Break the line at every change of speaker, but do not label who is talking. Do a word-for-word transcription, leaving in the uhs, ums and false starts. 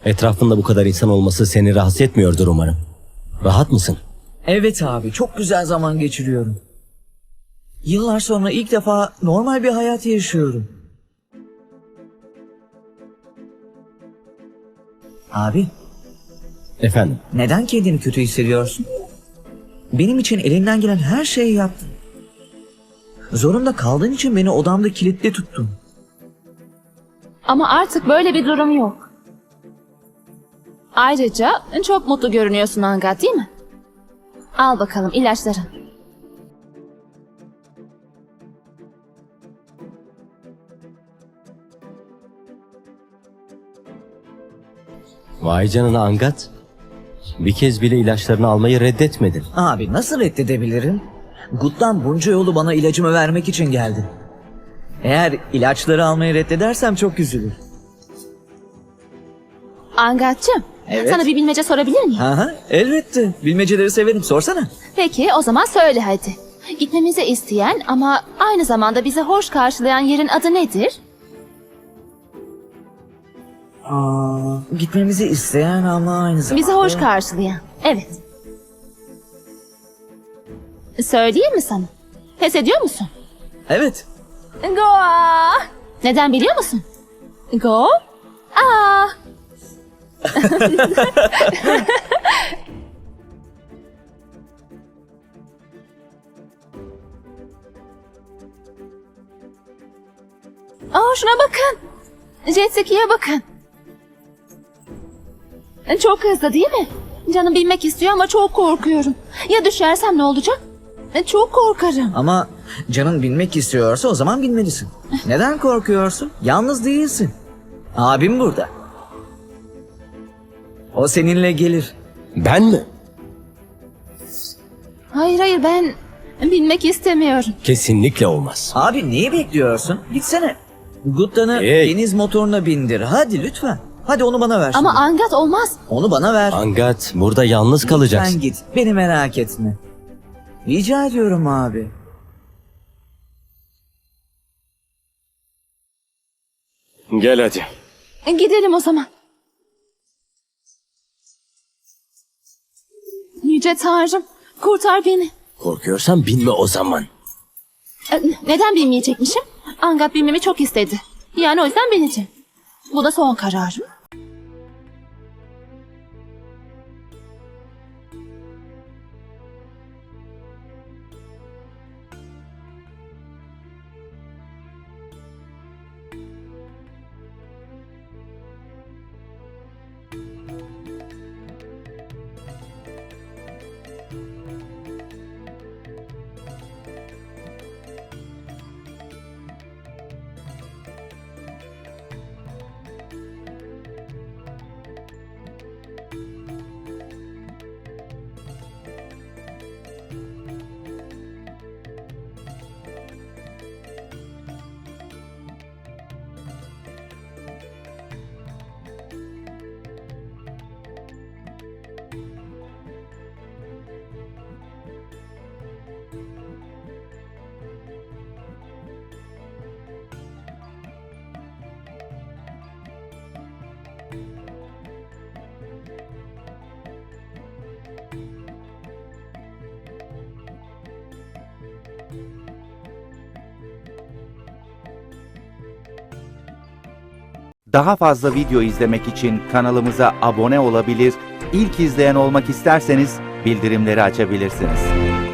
Etrafında bu kadar insan olması seni rahatsız etmiyordur umarım. Rahat mısın?
Evet abi, çok güzel zaman geçiriyorum. Yıllar sonra ilk defa normal bir hayat yaşıyorum. Abi,
Efendim?
neden kendini kötü hissediyorsun? Benim için elinden gelen her şeyi yaptın. Zorunda kaldığın için beni odamda kilitli tuttun.
Ama artık böyle bir durum yok. Ayrıca çok mutlu görünüyorsun Angat, değil mi? Al bakalım ilaçların.
Vay canına Angat. Bir kez bile ilaçlarını almayı reddetmedin.
Abi nasıl reddedebilirim? Gut'tan bunca yolu bana ilacımı vermek için geldi. Eğer ilaçları almayı reddedersem çok üzülür.
Angat'cığım,
Evet.
sana bir bilmece sorabilir miyim?
Aha, elbette. Bilmeceleri severim. Sorsana.
Peki o zaman söyle hadi. Gitmemizi isteyen ama aynı zamanda bizi hoş karşılayan yerin adı nedir?
Aa, gitmemizi isteyen ama aynı zamanda...
Bizi hoş karşılayan. Evet. Söyleyeyim mi sana? Pes ediyor musun?
Evet.
Goa. Neden biliyor musun? Go. Aa. Aa, şuna bakın. Jet ski'ye bakın. Çok hızlı değil mi? Canım binmek istiyor ama çok korkuyorum. Ya düşersem ne olacak? Çok korkarım.
Ama canın binmek istiyorsa o zaman binmelisin. Neden korkuyorsun? Yalnız değilsin. Abim burada. O seninle gelir.
Ben mi?
Hayır hayır ben binmek istemiyorum.
Kesinlikle olmaz.
Abi neyi bekliyorsun? Gitsene. Guttan'ı
Hey.
deniz motoruna bindir. Hadi lütfen. Hadi onu bana ver şimdi.
Ama Angat olmaz.
Onu bana ver.
Angat, burada yalnız kalacaksın.
Sen git. Beni merak etme. Rica ediyorum abi.
Gel hadi.
Gidelim o zaman. Yüce Tanrım, kurtar beni.
Korkuyorsan binme o zaman.
E, Neden binmeyecekmişim? Angat binmemi çok istedi. Yani o yüzden bineceğim. Bu da son kararım.
Daha fazla video izlemek için kanalımıza abone olabilir, ilk izleyen olmak isterseniz bildirimleri açabilirsiniz.